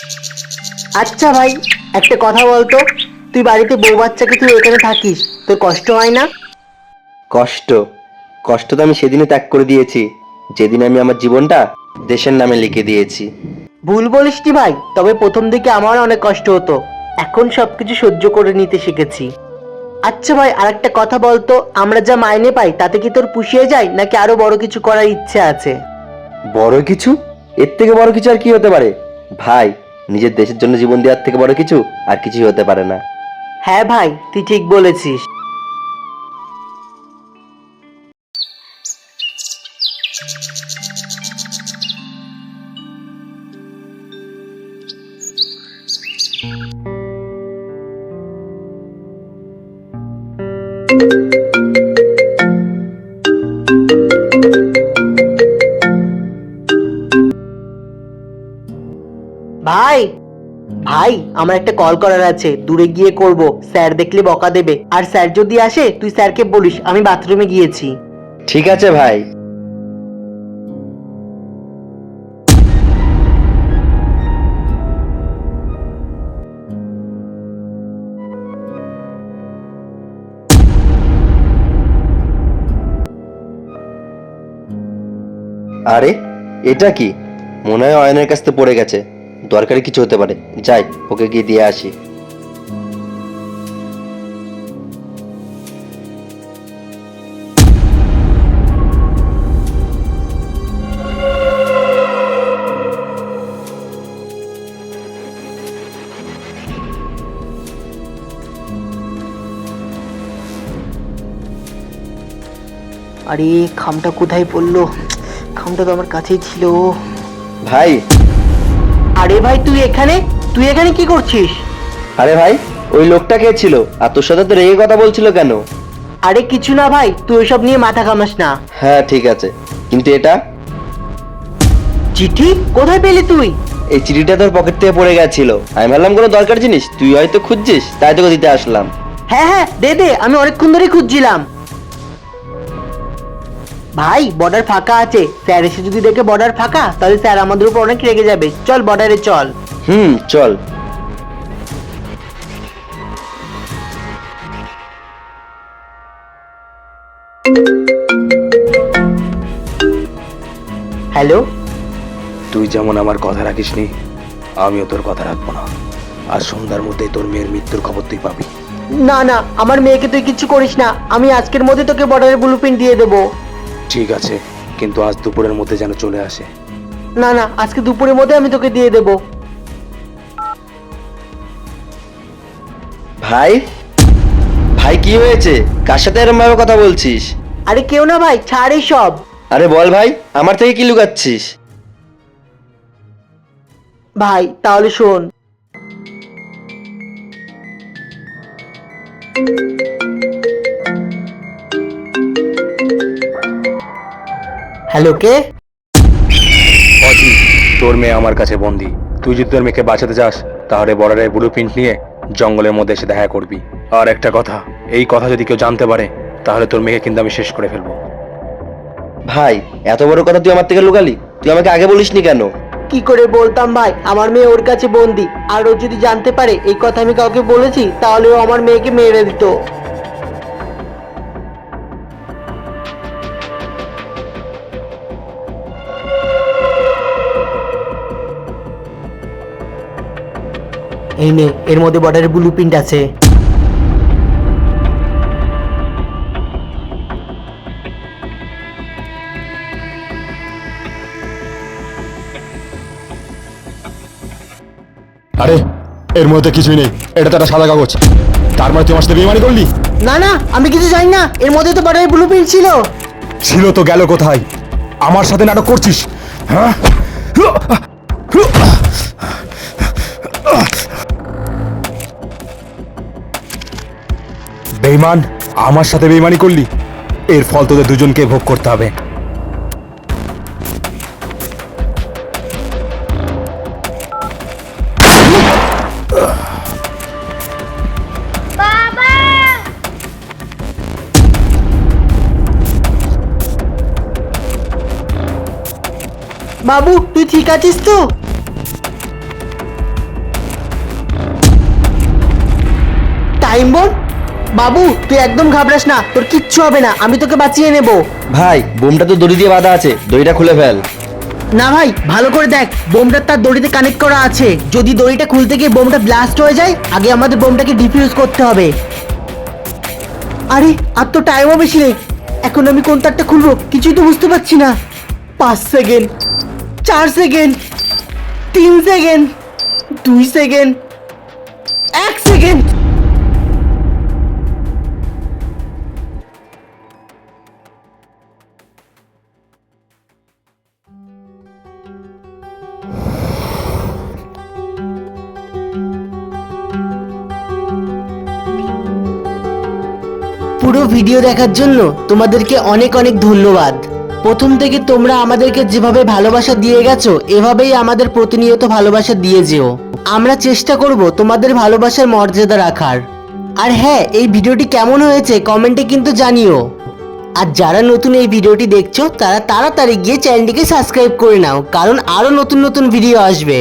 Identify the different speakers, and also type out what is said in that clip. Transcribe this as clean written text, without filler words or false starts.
Speaker 1: আচ্ছা ভাই, একটা কথা বলতো, তুই বাড়িতে বউ বাচ্চাকে তুই এখানে থাকিস, তোর কষ্ট হয় না?
Speaker 2: কষ্ট? কষ্ট তো আমি সেদিনই ত্যাগ করে দিয়েছি, যেদিন আমি আমার জীবনটা দেশের নামে লিখে দিয়েছি।
Speaker 1: ভুল বলিসনি ভাই, তবে প্রথম দিকে আমার অনেক কষ্ট হতো, এখন সবকিছু সহ্য করে নিতে শিখেছি। আচ্ছা ভাই, আরেকটা কথা বলতো, আমরা যা মাইনে পাই তাতে কি তোর পুষিয়ে যায় নাকি আরো বড় কিছু করার ইচ্ছে আছে?
Speaker 2: বড় কিছু? এর থেকে বড় কিছু আর কি হতে পারে ভাই? নিজের দেশের জন্য জীবন দেওয়ার থেকে বড় কিছু আর কিছুই হতে পারে না।
Speaker 1: হ্যাঁ ভাই, তুই ঠিক বলেছিস। ভাই ভাই, আমার একটা কল করার আছে, দূরে গিয়ে করব, স্যার দেখলে বকা দেবে, আর স্যার যদি আসে তুই স্যারকে বলিস আমি বাথরুমে গিয়েছি।
Speaker 2: ঠিক আছে ভাই। আরে, এটা কি? মনে হয় অয়নের কাছ থেকে পড়ে গেছে। দরকারি কিছু হতে পারে, যাই ওকে গিয়ে দিয়ে আসি।
Speaker 1: আরে, খামটা কোথায় পড়লো? খামটা তো আমার কাছেই ছিল।
Speaker 2: ভাই।
Speaker 1: আরে ভাই, তুই এখানে কি করছিস?
Speaker 2: আরে ভাই, ওই লোকটা কে ছিল আর তোর সাথে তো রেগে কথা বলছিল কেন?
Speaker 1: আরে কিছু না ভাই, তুই ওইসব নিয়ে মাথা ঘামাস না।
Speaker 2: হ্যাঁ ঠিক আছে, কিন্তু এটা?
Speaker 1: চিঠি কোথায় পেলি তুই?
Speaker 2: এই চিঠিটা তোর পকেট থেকে পড়ে গেছিল, আমি ভাবলাম কোনো দরকার জিনিস তুই হয়তো খুঁজছিস, তাই তোকে দিতে আসলাম।
Speaker 1: হ্যাঁ হ্যাঁ, দে দে, আমি অনেকক্ষণ ধরে খুঁজছিলাম। ভাই, বর্ডার ফাঁকা আছে, স্যার এসে যদি দেখে বর্ডার ফাঁকা তাহলে স্যার আমাদের উপর অনেক রেগে যাবে, চল বর্ডারে চল।
Speaker 2: চল।
Speaker 1: হ্যালো।
Speaker 3: তুই যেমন আমার কথা রাখিসনি, আমিও তোর কথা রাখবো না। আজ সন্ধ্যার মধ্যে তোর মেয়ের মৃত্যুর খবর তুই পাবি।
Speaker 1: না না, আমার মেয়েকে তুই কিছু করিস না, আমি আজকের মধ্যে তোকে বর্ডারের ব্লুপ্রিন্ট দিয়ে দেবো।
Speaker 3: ঠিক আছে, কিন্তু আজ দুপুরের মধ্যে যেন চলে আসে।
Speaker 1: না না, আজকে দুপুরের মধ্যে আমি তোকে দিয়ে দেবো।
Speaker 2: ভাই, ভাই কি হয়েছে? কার সাথে এরকম ভাবে কথা বলছিস?
Speaker 1: আরে কেউ না ভাই, ছাড় এই সব।
Speaker 2: আরে বল ভাই, আমার থেকে কি লুকাচ্ছিস?
Speaker 1: ভাই তাহলে শোন। হ্যালো, কে?
Speaker 3: অজি, তোর মেয়ে আমার কাছে বন্দি। তুই যদি তোর মেয়েকে বাঁচাতে চাস তাহলে বর্ডারের ব্লুপ্রিন্ট নিয়ে জঙ্গলের মধ্যে এসে দেখা করবি। আর একটা কথা, এই কথা যদি কেউ জানতে পারে তাহলে তোর মেয়েকে কিন্তু আমি শেষ করে ফেলবো।
Speaker 2: ভাই, এত বড় কথা তুই আমার থেকে লুকালি? তুই আমাকে আগে বলিসনি কেন?
Speaker 1: কি করে বলতাম ভাই, আমার মেয়ে ওর কাছে বন্দি, আর ও যদি জানতে পারে এই কথা আমি কাউকে বলেছি তাহলে ও আমার মেয়েকে মেরে দিত। এই নে, এর মধ্যে বর্ডারের ব্লুপ্রিন্ট আছে।
Speaker 4: আরে, এর মধ্যে কিছুই নেই, এটা তো একটা সাদা কাগজ। তার মানে তুই আমার সাথে বেইমানি করলি?
Speaker 1: না না, আমি কিছু জানি না, এর মধ্যে তো বর্ডারের ব্লুপ্রিন্ট ছিল।
Speaker 4: ছিল তো গেল কোথায়? আমার সাথে নাটক করছিস, হ্যাঁ? বেইমান, আমার সাথে বেইমানি করলি, এর ফল তোদের দুজনকে ভোগ করতে হবে।
Speaker 1: বাবু, তুই ঠিক আছিস তো? Time bomb? বাবু তুই একদম ঘাবড়াস না, তোর কিচ্ছু হবে না, আমি তোকে বাঁচিয়ে নেব।
Speaker 2: ভাই বোমটা তো দড়ি দিয়ে বাঁধা আছে, দড়িটা খুলে ফেল।
Speaker 1: না ভাই, ভালো করে দেখ, বোমটা তার দড়িতে কানেক্ট করা আছে। যদি দড়িটা খুলতে গিয়ে বোমটা ব্লাস্ট হয়ে যায়, আগে আমাদের বোমটাকে ডিফিউজ করতে হবে। আরে আর তো টাইমও বেশি নেই, এখন আমি কোন তারটা খুলবো কিছুই তো বুঝতে পারছি না। 5 second, 4 second, 3 second, 2 second, 1 second. পুরো ভিডিও দেখার জন্য তোমাদেরকে অনেক অনেক ধন্যবাদ। প্রথম থেকে তোমরা আমাদেরকে যেভাবে ভালোবাসা দিয়ে গেছো, এভাবেই আমাদের প্রতিনিয়ত ভালোবাসা দিয়ে যেও। আমরা চেষ্টা করব তোমাদের ভালোবাসার মর্যাদা রাখার। আর হ্যাঁ, এই ভিডিওটি কেমন হয়েছে কমেন্টে কিন্তু জানিও। আর যারা নতুন এই ভিডিওটি দেখছো তারা তাড়াতাড়ি গিয়ে চ্যানেলটিকে সাবস্ক্রাইব করে নাও, কারণ আরো নতুন নতুন ভিডিও আসবে।